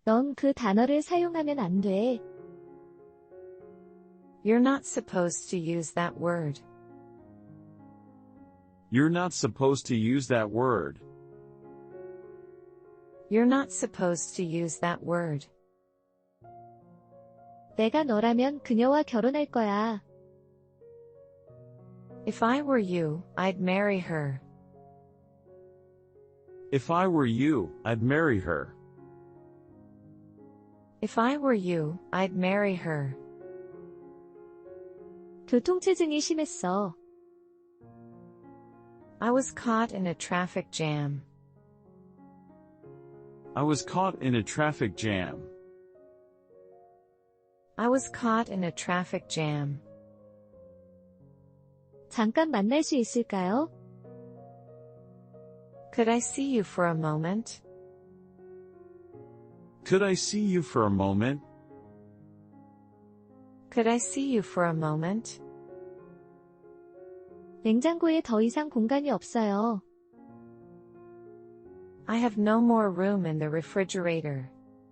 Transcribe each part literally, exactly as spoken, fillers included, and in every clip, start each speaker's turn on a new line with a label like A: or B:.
A: 넌 그 단어를 사용하면 안 돼.
B: You're not supposed to use that word.
C: You're not supposed to use that word.
B: You're not supposed to use that word.
A: 내가 너라면 그녀와 결혼할 거야.
B: If I were you, I'd marry her.
C: If I were you, I'd marry her.
B: If I were you, I'd marry her.
A: 교통체증이 심했어.
B: I was caught in a traffic jam.
C: I was caught in a traffic jam.
B: I was caught in a traffic jam.
A: 잠깐 만날 수 있을까요?
B: Could I see you for a moment?
C: Could I see you for a moment?
B: Could I see you for a moment?
A: 냉장고에 더 이상 공간이 없어요.
B: I have no more room in the refrigerator.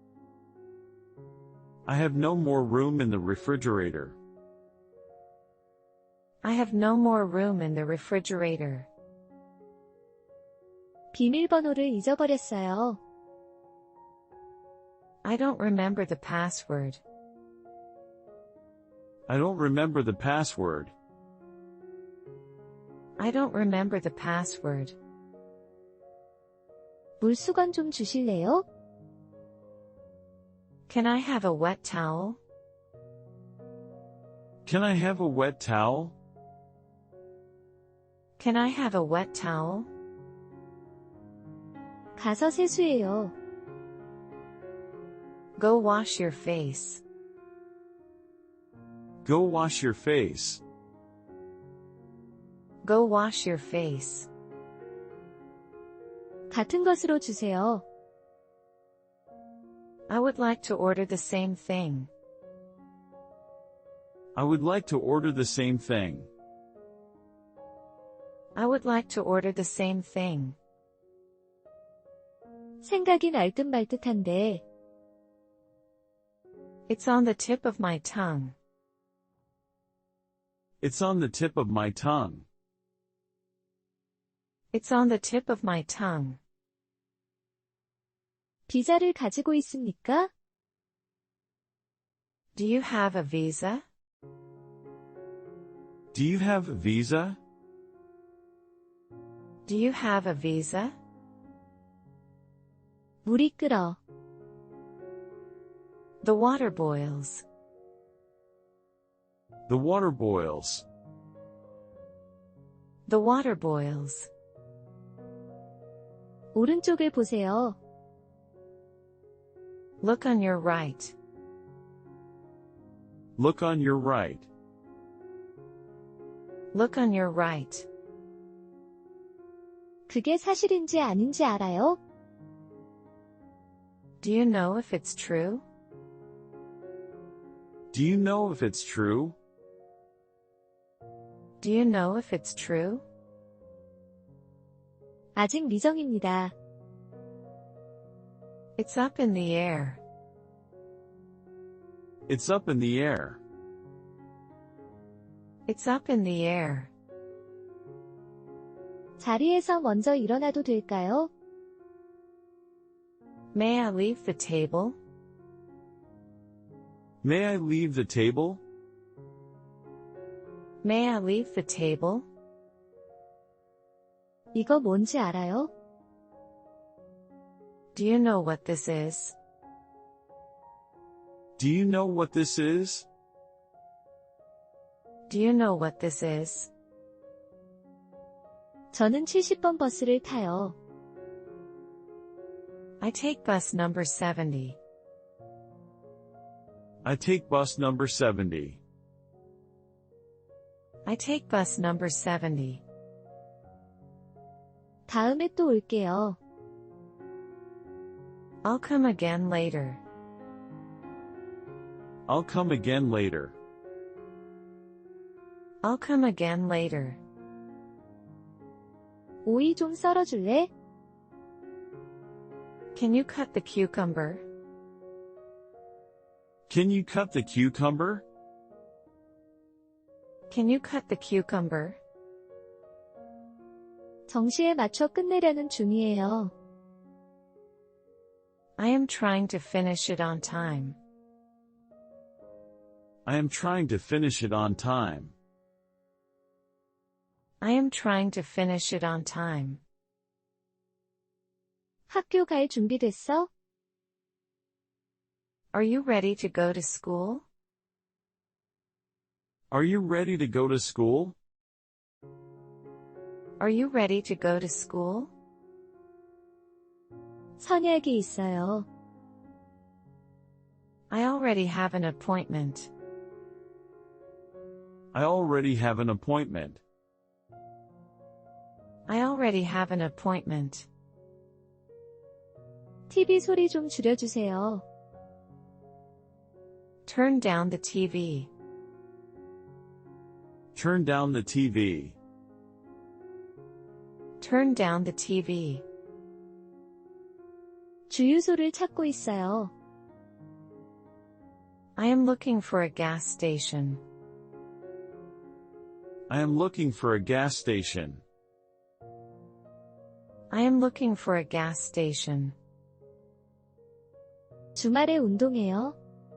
C: I have no more room in the refrigerator.
B: I have no more room in the refrigerator.
A: 비밀번호를 잊어버렸어요.
B: I don't remember the password.
C: I don't remember the password.
B: I don't remember the password.
A: 물수건 좀 주실래요?
B: Can I have a wet towel?
C: Can I have a wet towel?
B: Can I have a wet towel?
A: 가서 세수해요.
B: Go wash your face.
C: Go wash your face.
B: Go wash your face.
A: 같은 것으로 주세요.
B: I would like to order the same thing.
C: I would like to order the same thing.
B: I would like to order the same thing.
A: 생각이 날 듯 말 듯한데.
B: It's on the tip of my tongue.
C: It's on the tip of my tongue.
B: It's on the tip of my tongue.
A: 비자를 가지고 있습니까?
B: Do you have a visa?
C: Do you have a visa?
B: Do you have a visa?
A: 물이 끓어.
B: The water boils.
C: The water boils.
B: The water boils.
A: 오른쪽을 보세요.
B: Look on your right.
C: Look on your right.
B: Look on your right.
A: 그게 사실인지 아닌지 알아요?
B: Do you know if it's true?
C: Do you know if it's true?
B: Do you know if it's true?
A: 아직 미정입니다.
B: It's up in the air.
C: It's up in the air.
B: It's up in the air.
A: 자리에서 먼저 일어나도 될까요?
B: May I leave the table?
C: May I leave the table?
B: May I leave the table?
A: 이거 뭔지 알아요?
B: Do you know what this is?
C: Do you know what this is?
B: Do you know what this is?
A: 저는 칠십 번 버스를 타요.
B: I take bus number seventy.
C: I take bus number seventy.
B: I take bus number seventy.
A: 다음에 또 올게요.
B: I'll come again later.
C: I'll come again later.
B: I'll come again later.
A: 오이 좀 썰어줄래?
B: Can you cut the cucumber?
C: Can you cut the cucumber?
B: Can you cut the cucumber?
A: 정시에 맞춰 끝내려는 중이에요.
B: I am trying to finish it on time.
C: I am trying to finish it on time.
B: I am trying to finish it on time.
A: 학교 갈 준비됐어?
B: Are you ready to go to school?
C: Are you ready to go to school?
B: Are you ready to go to school?
A: 선약이 있어요.
B: I already have an appointment.
C: I already have an appointment.
B: I already have an appointment.
A: 티비 소리 좀 줄여주세요.
B: Turn down the T V.
C: Turn down the T V.
B: Turn down the T V.
A: 주유소를 찾고 있어요.
B: I am looking for a gas station.
C: I am looking for a gas station.
B: I am looking for a gas station.
A: 주말에 운동해요.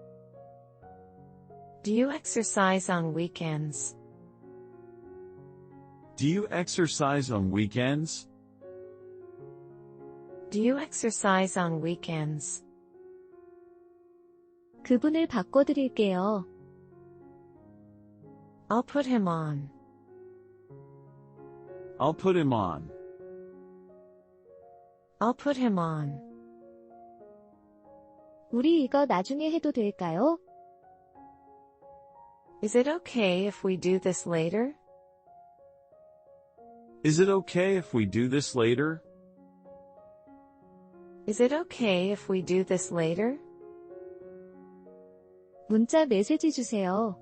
B: Do you exercise on weekends?
C: Do you exercise on weekends?
B: Do you exercise on weekends?
A: 그분을 바꿔드릴게요.
B: I'll put him on.
C: I'll put him on.
B: I'll put him on.
A: 우리 이거 나중에 해도 될까요?
B: Is it okay if we do this later?
C: Is it okay if we do this later?
B: Is it okay if we do this later?
A: 문자 메시지 주세요.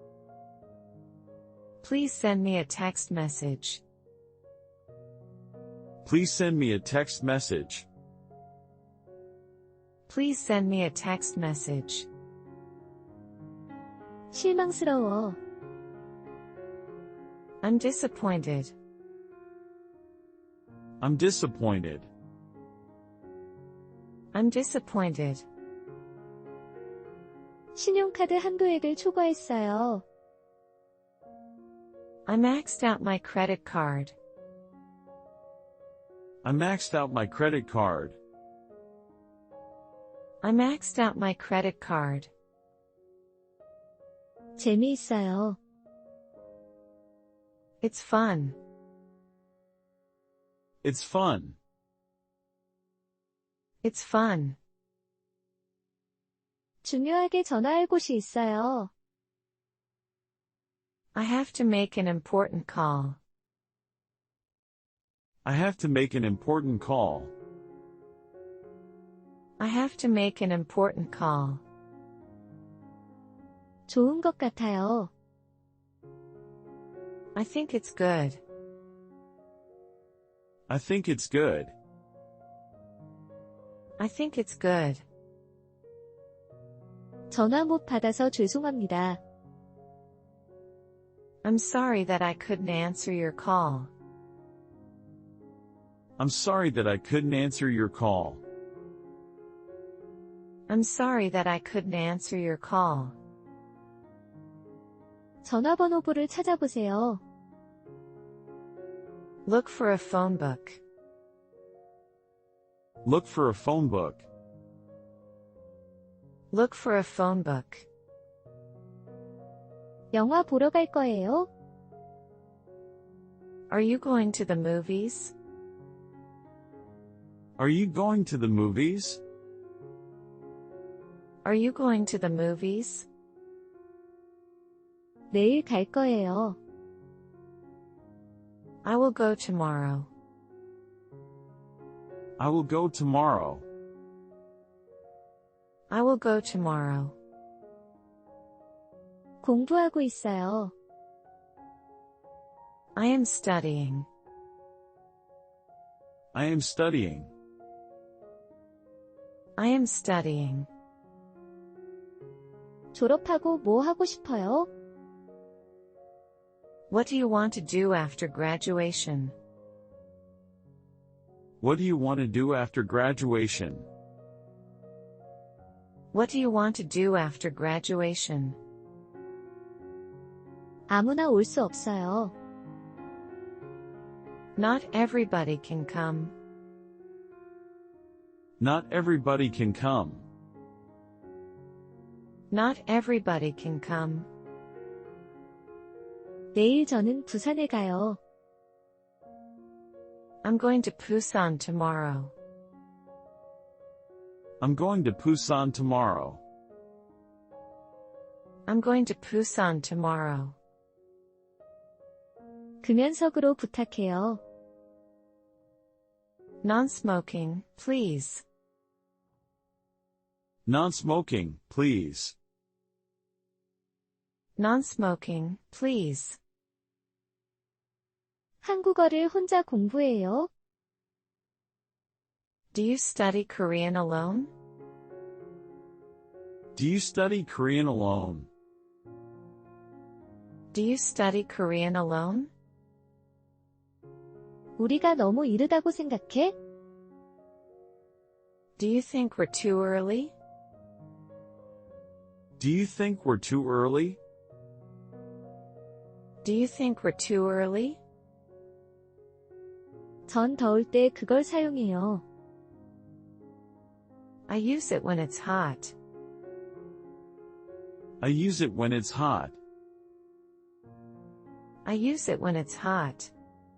B: Please send me a text message.
C: Please send me a text message.
B: Please send me a text message.
A: 실망스러워.
B: I'm disappointed.
C: I'm disappointed.
B: I'm disappointed.
A: 신용카드 한도액을 초과했어요.
B: I maxed out my credit card.
C: I maxed out my credit card.
B: I maxed out my credit card.
A: 재미있어요.
B: It's fun.
C: It's fun.
B: It's fun.
A: 중요하게 전화할 곳이 있어요.
B: I have to make an important call.
C: I have to make an important call.
B: I have to make an important call.
A: 좋은 것 같아요.
B: I think it's good.
C: I think it's good.
B: I think it's good.
A: 전화 못 받아서 죄송합니다.
B: I'm sorry that I couldn't answer your call.
C: I'm sorry that I couldn't answer your call.
B: I'm sorry that I couldn't answer your call.
A: 전화번호부를 찾아보세요.
B: Look for a phone book.
C: Look for a phone book.
B: Look for a phone book.
A: 영화 보러 갈 거예요?
B: Are you going to the movies?
C: Are you going to the movies?
B: Are you going to the movies?
A: 내일 갈 거예요.
B: I will go tomorrow.
C: I will go tomorrow.
B: I will go tomorrow.
A: 공부하고 있어요.
B: I am studying.
C: I am studying.
B: I am studying.
A: 졸업하고 뭐 하고 싶어요?
B: What do you want to do after graduation?
C: What do you want to do after graduation?
B: What do you want to do after graduation?
A: 아무나 올 수 없어요.
B: Not everybody can come.
C: Not everybody can come.
B: Not everybody can come.
A: 내일 저는 부산에 가요.
B: I'm going to Busan tomorrow.
C: I'm going to Busan tomorrow.
B: I'm going to Busan tomorrow.
A: 금연석으로 부탁해요.
B: Non-smoking, please.
C: Non-smoking, please.
B: Non-smoking, please.
A: 한국어를 혼자 공부해요.
B: Do you study Korean alone?
C: Do you study Korean alone?
B: Do you study Korean alone?
A: 우리가 너무 이르다고 생각해?
B: Do you think we're too early?
C: Do you think we're too early?
B: Do you think we're too early?
A: 전 더울 때 그걸 사용해요.
B: I use it when it's hot.
C: I use it when it's hot.
B: I use it when it's hot.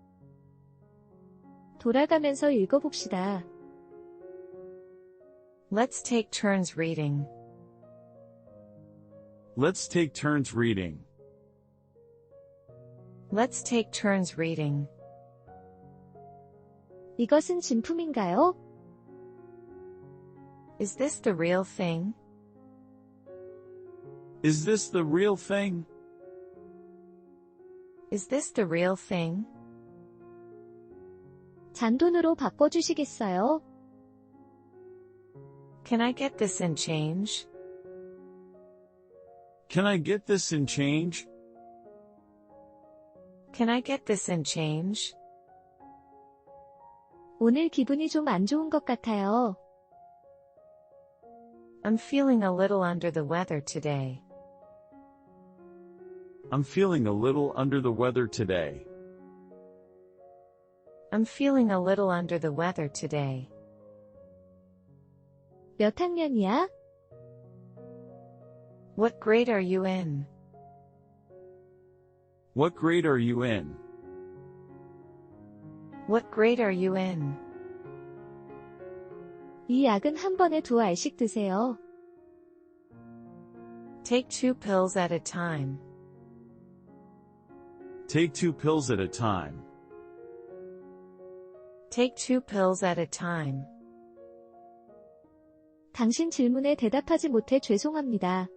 A: 돌아가면서 읽어봅시다.
B: Let's take turns reading.
C: Let's take turns reading.
B: Let's take turns reading.
A: 이것은 진품인가요?
B: Is this the real thing?
C: Is this the real thing?
B: Is this the real thing?
A: 잔돈으로 바꿔주시겠어요?
B: Can I get this in change?
C: Can I get this in change?
B: Can I get this in change?
A: 오늘 기분이 좀 안 좋은 것 같아요.
B: I'm feeling a little under the weather today.
C: I'm feeling a little under the weather today.
B: I'm feeling a little under the weather today.
A: 몇 학년이야?
B: What grade are you in?
C: What grade are you in?
B: What grade are you in?
A: 이 약은 한 번에 두 알씩 드세요.
B: Take two pills at a time.
C: Take two pills at a time.
B: Take two pills at a time.
A: 당신 질문에 대답하지 못해 죄송합니다.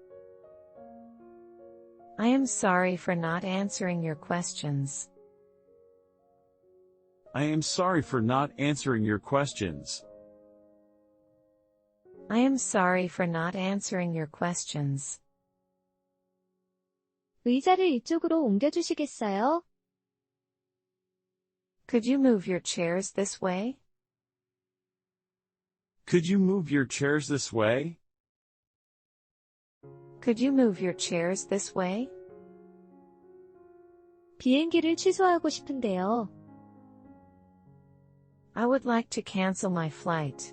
B: I am sorry for not answering your questions.
C: I am sorry for not answering your questions.
B: I am sorry for not answering your questions.
A: 의자를 이쪽으로 옮겨주시겠어요?
B: Could you move your chairs this way?
C: Could you move your chairs this way?
B: Could you move your chairs this way?
A: 비행기를 취소하고 싶은데요.
B: I would like to cancel my flight.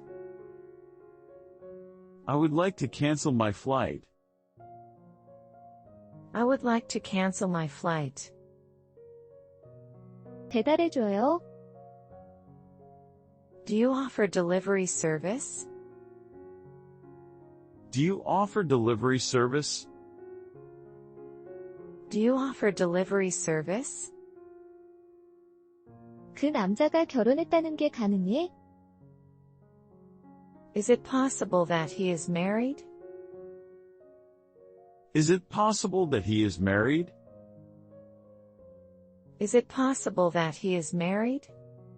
C: I would like to cancel my flight.
B: I would like to cancel my flight.
A: 배달해줘요?
B: Do you offer delivery service?
C: Do you offer delivery service?
B: Do you offer delivery service?
A: 그 남자가 결혼했다는 게 가능해?
B: Is it possible that he is married?
C: Is it possible that he is married?
B: Is it possible that he is married?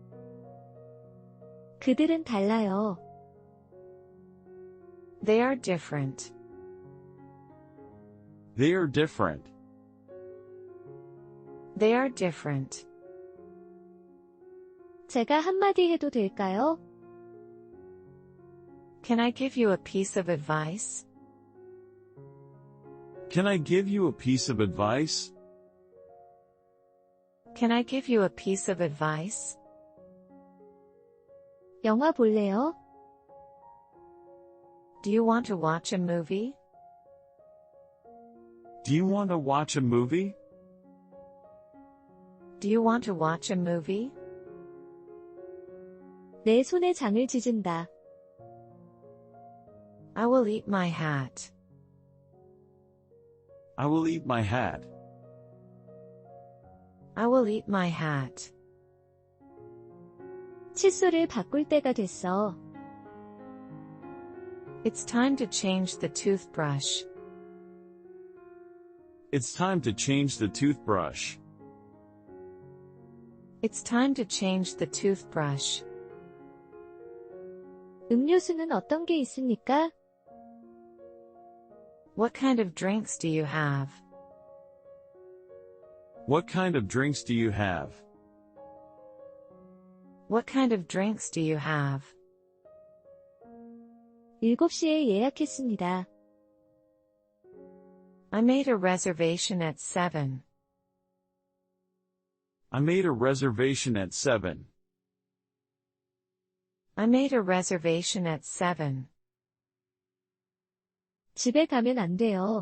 A: 그들은 달라요.
B: They are different.
C: They are different.
B: They are different.
A: 제가 한마디 해도 될까요?
B: Can I give you a piece of advice?
C: Can I give you a piece of advice?
B: Can I give you a piece of advice?
A: 영화 볼래요?
B: Do you want to watch a movie?
C: Do you want to watch a movie?
B: Do you want to watch a movie?
A: 내 손에 장을 찢은다.
B: I will eat my hat.
C: I will eat my hat.
B: I will eat my hat.
A: 칫솔을 바꿀 때가 됐어.
B: It's time to change the toothbrush.
C: It's time to change the toothbrush.
B: It's time to change the toothbrush.
A: 음료수는 어떤 게 있습니까?
B: What kind of drinks do you have?
C: What kind of drinks do you have?
B: What kind of drinks do you have?
A: 일곱 시에 예약했습니다.
B: I made a reservation at seven.
C: I made a reservation at seven.
B: I made a reservation at seven.
A: 집에 가면 안 돼요.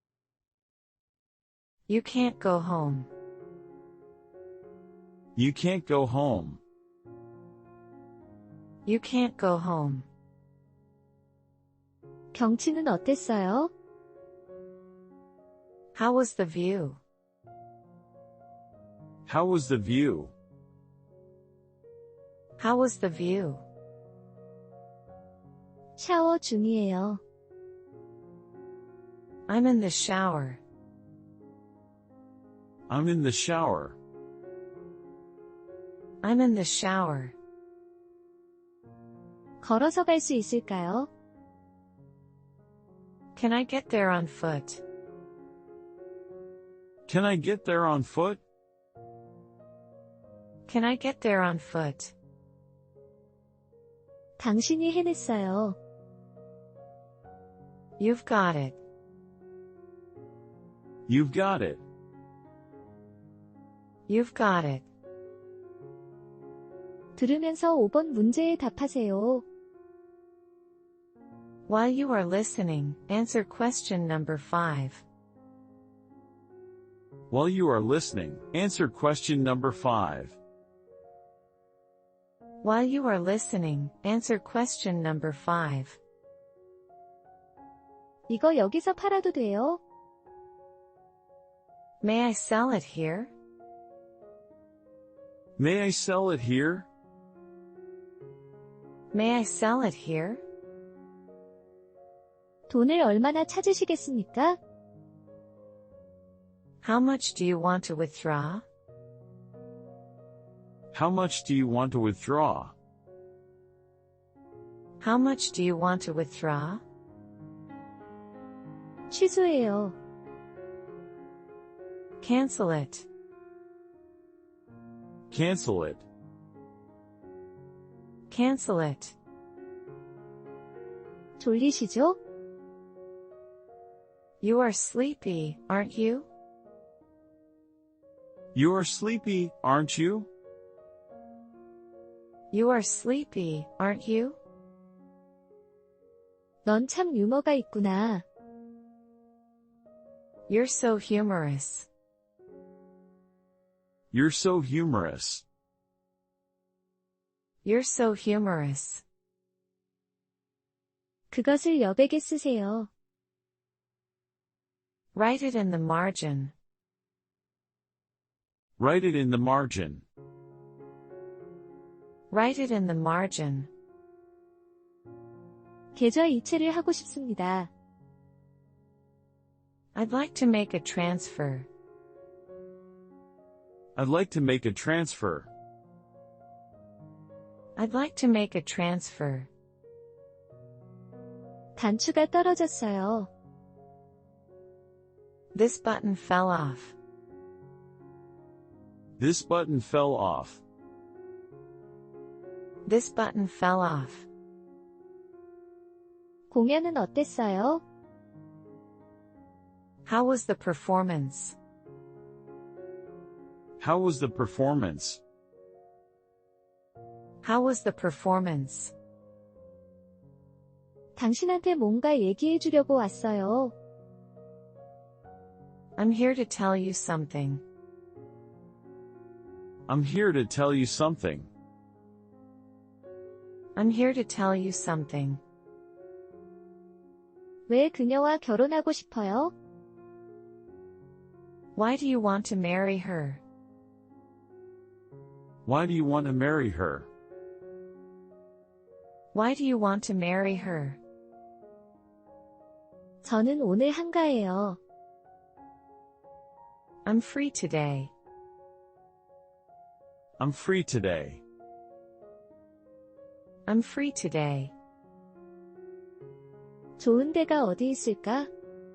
B: You can't go home.
C: You can't go home.
B: You can't go home.
A: 경치는 어땠어요?
B: How was the view?
C: How was the view?
B: How was the view?
A: 샤워 중이에요.
B: I'm in the shower.
C: I'm in the shower.
B: I'm in the shower.
A: 걸어서 갈 수 있을까요?
B: Can I get there on foot?
C: Can I get there on foot?
B: Can I get there on foot?
A: 당신이 해냈어요.
B: You've got it.
C: You've got it.
B: You've got it.
A: 들으면서 오 번 문제에 답하세요.
B: While you are listening, answer question number five.
C: While you are listening, answer question number five.
B: While you are listening, answer question number five.
A: 이거 여기서 팔아도 돼요?
B: May I sell it here?
C: May I sell it here?
B: May I sell it here?
A: 돈을 얼마나 찾으시겠습니까?
B: How much do you want to withdraw?
C: How much do you want to withdraw?
B: How much do you want to withdraw?
A: 취소해요.
B: Cancel it.
C: Cancel it.
B: Cancel it.
A: 졸리시죠?
B: You are sleepy, aren't you?
C: You are sleepy, aren't you?
B: You are sleepy, aren't you?
A: 넌 참 유머가 있구나.
B: You're so humorous.
C: You're so humorous.
B: You're so humorous.
A: 그것을 여백에 쓰세요.
B: Write it in the margin.
C: Write it in the margin.
B: Write it in the margin.
A: 계좌 이체를 하고 싶습니다.
B: I'd like to make a transfer.
C: I'd like to make a transfer.
B: I'd like to make a transfer.
A: 단추가 떨어졌어요.
B: This button fell off.
C: This button fell off.
B: This button fell off.
A: 공연은 어땠어요?
B: How was the performance?
C: How was the performance?
B: How was the performance?
A: 당신한테 뭔가 얘기해 주려고 왔어요.
B: I'm here to tell you something.
C: I'm here to tell you something.
B: I'm here to tell you something.
A: 왜 그녀와 결혼하고 싶어요?
B: Why do you want to marry her?
C: Why do you want to marry her?
B: Why do you want to marry her?
A: 저는 오늘 한가해요.
B: I'm free today.
C: I'm free today.
B: I'm free today.
A: 좋은 데가 어디 있을까?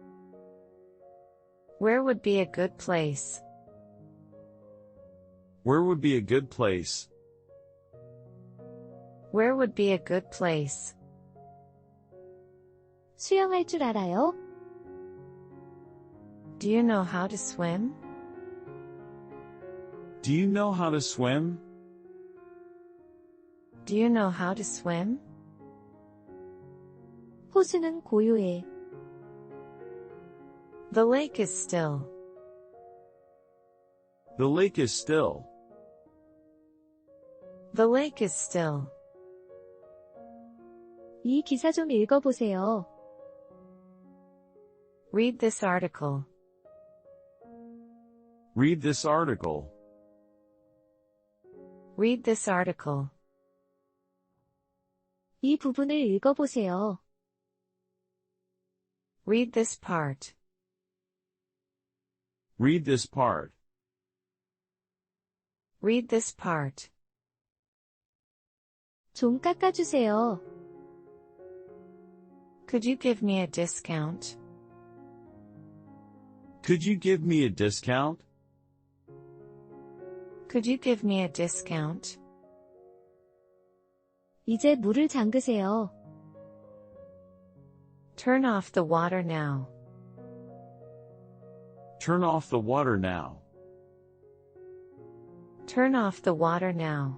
B: Where would be a good place?
C: Where would be a good place?
B: Where would be a good place?
A: 수영할 줄 알아요?
B: Do you know how to swim?
C: Do you know how to swim?
B: Do you know how to swim?
A: 호수는 고요해.
B: The lake is still.
C: The lake is still.
B: The lake is still.
A: 이 기사 좀 읽어보세요.
B: Read this article.
C: Read this article.
B: Read this article.
A: 이 부분을 읽어보세요.
B: Read this part.
C: Read this part.
B: Read this part.
A: 좀 깎아주세요.
B: Could you give me a discount?
C: Could you give me a discount?
B: Could you give me a discount?
A: 이제 물을 잠그세요.
B: Turn off the water now.
C: Turn off the water now.
B: Turn off the water now.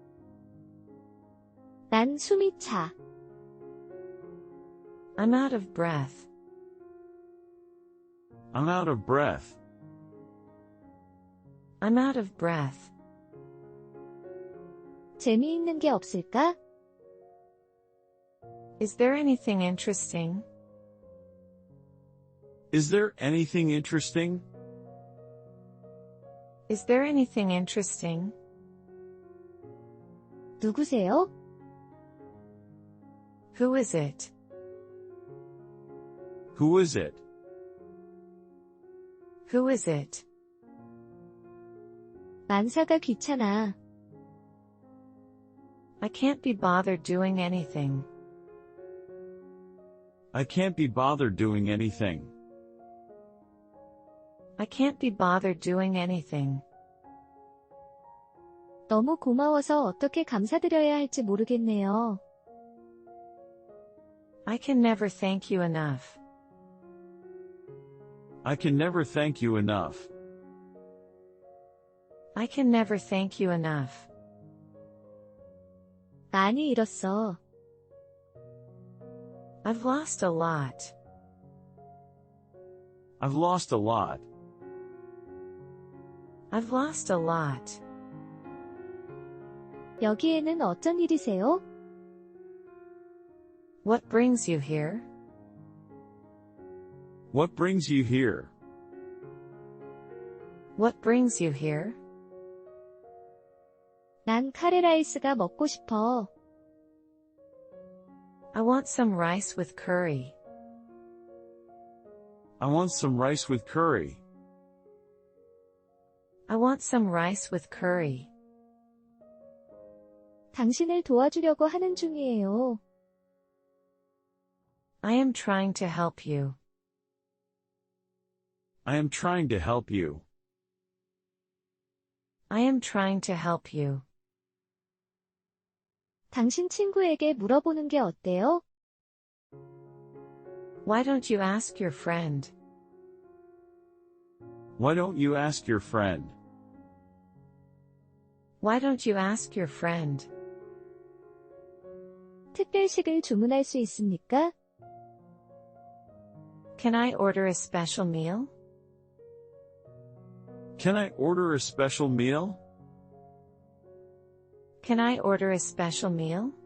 A: 난 숨이 차.
B: I'm out of breath.
C: I'm out of breath.
B: I'm out of breath.
A: 재미있는 게 없을까?
B: Is there anything interesting?
C: Is there anything interesting?
B: Is there anything interesting?
A: 누구세요?
B: Who is it?
C: Who is it?
B: Who is it?
A: 만사가 귀찮아.
B: I can't be bothered doing anything.
C: I can't be bothered doing anything.
B: I can't be bothered doing anything.
A: 너무 고마워서 어떻게 감사드려야 할지 모르겠네요.
B: I can never thank you enough.
C: I can never thank you enough.
B: I can never thank you enough.
A: 많이 잃었어.
B: I've lost a lot.
C: I've lost a lot.
B: I've lost a lot.
A: 여기에는 어쩐 일이세요?
B: What brings you here?
C: What brings you here?
B: What brings you here?
A: 난 카레라이스가 먹고 싶어.
B: I want some rice with curry.
C: I want some rice with curry.
B: I want some rice with curry.
A: 당신을 도와주려고 하는 중이에요.
B: I am trying to help you.
C: I am trying to help you.
B: I am trying to help you.
A: 당신 친구에게 물어보는 게 어때요?
B: Why don't you ask your friend?
C: Why don't you ask your friend?
B: Why don't you ask your friend?
A: 특별식을 주문할 수 있습니까?
B: Can I order a special meal?
C: Can I order a special meal?
B: Can I order a special meal?